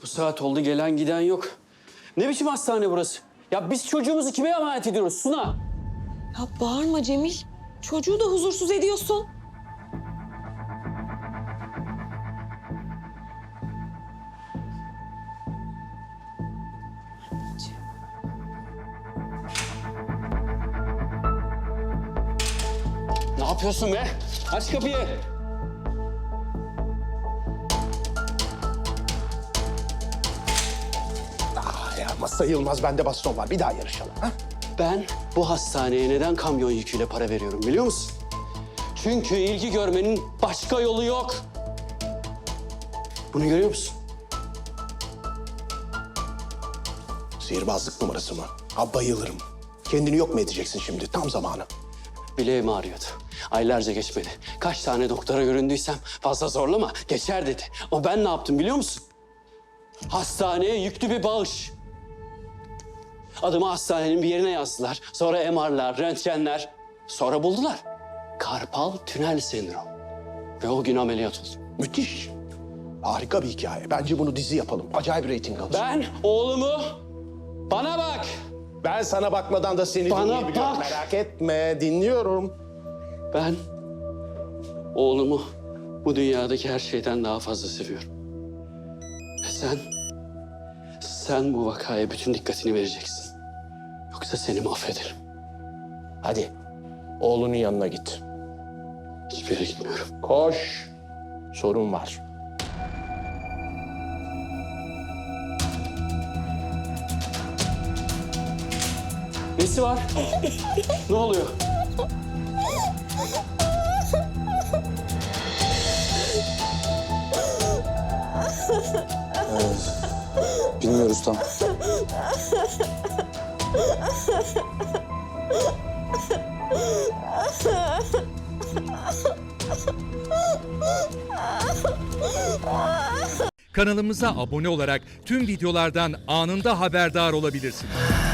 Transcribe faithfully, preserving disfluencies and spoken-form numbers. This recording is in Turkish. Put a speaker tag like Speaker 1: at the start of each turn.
Speaker 1: Bu saat oldu, gelen giden yok. Ne biçim hastane burası? Ya biz çocuğumuzu kime emanet ediyoruz Suna?
Speaker 2: Ya bağırma Cemil. Çocuğu da huzursuz ediyorsun.
Speaker 1: Ne yapıyorsun be? Aç kapıyı.
Speaker 3: Ah ya masa Yılmaz, bende baston var. Bir daha yarışalım. Ha?
Speaker 1: Ben bu hastaneye neden kamyon yüküyle para veriyorum biliyor musun? Çünkü ilgi görmenin başka yolu yok. Bunu görüyor musun?
Speaker 3: Sihirbazlık numarası mı? Ha, bayılırım. Kendini yok mu edeceksin şimdi? Tam zamanı.
Speaker 1: Bileğim ağrıyordu. Aylarca geçmedi. Kaç tane doktora göründüysem fazla zorlama, geçer dedi. O ben ne yaptım biliyor musun? Hastaneye yüklü bir bağış. Adımı hastanenin bir yerine yazdılar. Sonra M R'lar, röntgenler. Sonra buldular. Karpal tünel sendromu. Ve o gün ameliyat oldum.
Speaker 3: Müthiş. Harika bir hikaye. Bence bunu dizi yapalım. Acayip reyting alır.
Speaker 1: Ben oğlumu... Bana bak!
Speaker 3: Ben sana bakmadan da seni
Speaker 1: Bana
Speaker 3: dinleyebiliyorum.
Speaker 1: bak!
Speaker 3: Merak etme, dinliyorum.
Speaker 1: Ben oğlumu bu dünyadaki her şeyden daha fazla seviyorum. Ve sen, sen bu vakaya bütün dikkatini vereceksin. Yoksa seni mahvederim.
Speaker 3: Hadi, oğlunun yanına git.
Speaker 1: Hiçbir yere gitmiyorum.
Speaker 3: Koş. Sorun var.
Speaker 1: Nesi var? Ne oluyor?
Speaker 4: Bilmiyoruz tam.
Speaker 5: Kanalımıza abone olarak tüm videolardan anında haberdar olabilirsiniz.